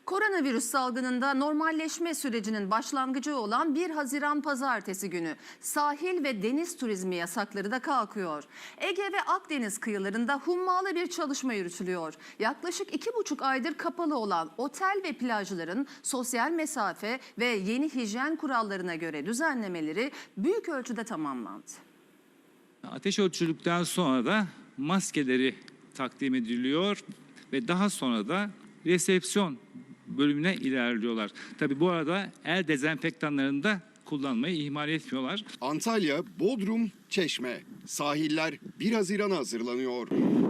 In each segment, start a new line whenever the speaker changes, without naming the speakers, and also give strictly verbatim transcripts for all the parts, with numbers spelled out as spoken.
Koronavirüs salgınında normalleşme sürecinin başlangıcı olan bir Haziran Pazartesi günü sahil ve deniz turizmi yasakları da kalkıyor. Ege ve Akdeniz kıyılarında hummalı bir çalışma yürütülüyor. Yaklaşık iki buçuk aydır kapalı olan otel ve plajların sosyal mesafe ve yeni hijyen kurallarına göre düzenlemeleri büyük ölçüde tamamlandı.
Ateş ölçüldükten sonra da maskeleri takdim ediliyor ve daha sonra da resepsiyon bölümüne ilerliyorlar. Tabii bu arada el dezenfektanlarını da kullanmayı ihmal etmiyorlar.
Antalya, Bodrum, Çeşme. Sahiller bir Haziran'a hazırlanıyor.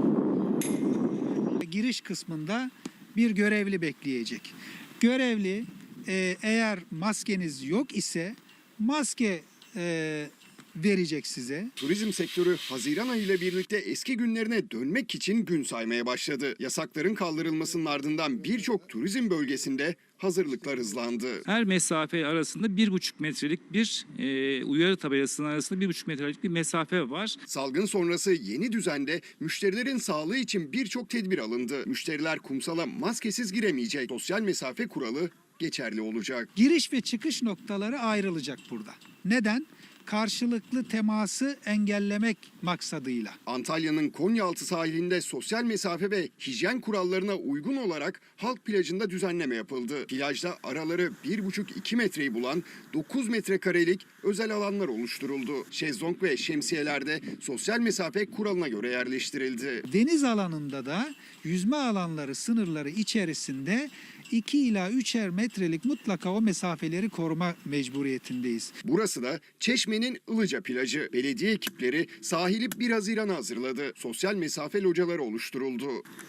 Giriş kısmında bir görevli bekleyecek. Görevli e, eğer maskeniz yok ise maske e, verecek size.
Turizm sektörü Haziran ayı ile birlikte eski günlerine dönmek için gün saymaya başladı. Yasakların kaldırılmasının ardından birçok turizm bölgesinde hazırlıklar hızlandı.
Her mesafe arasında bir buçuk metrelik bir e, uyarı tabelasının arasında bir buçuk metrelik bir mesafe var.
Salgın sonrası yeni düzende müşterilerin sağlığı için birçok tedbir alındı. Müşteriler kumsala maskesiz giremeyecek. Sosyal mesafe kuralı geçerli olacak.
Giriş ve çıkış noktaları ayrılacak burada. Neden? Karşılıklı teması engellemek maksadıyla.
Antalya'nın Konyaaltı sahilinde sosyal mesafe ve hijyen kurallarına uygun olarak halk plajında düzenleme yapıldı. Plajda araları bir buçuk iki metreyi bulan dokuz metrekarelik özel alanlar oluşturuldu. Şezlong ve şemsiyelerde sosyal mesafe kuralına göre yerleştirildi.
Deniz alanında da yüzme alanları sınırları içerisinde iki ila üçer metrelik mutlaka o mesafeleri koruma mecburiyetindeyiz.
Burası da Çeşme'nin Ilıca plajı. Belediye ekipleri sahili bir Haziran'a hazırladı. Sosyal mesafe locaları oluşturuldu.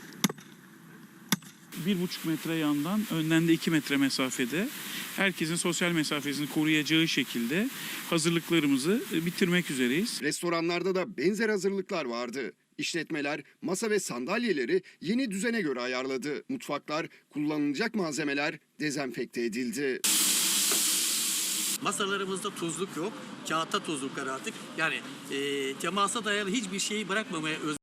Bir buçuk metre yandan, önden de iki metre mesafede herkesin sosyal mesafesini koruyacağı şekilde hazırlıklarımızı bitirmek üzereyiz.
Restoranlarda da benzer hazırlıklar vardı. İşletmeler masa ve sandalyeleri yeni düzene göre ayarladı. Mutfaklar, kullanılacak malzemeler dezenfekte edildi.
Masalarımızda tuzluk yok, kağıtta tuzluk var artık. Yani e, temasa dayalı hiçbir şeyi bırakmamaya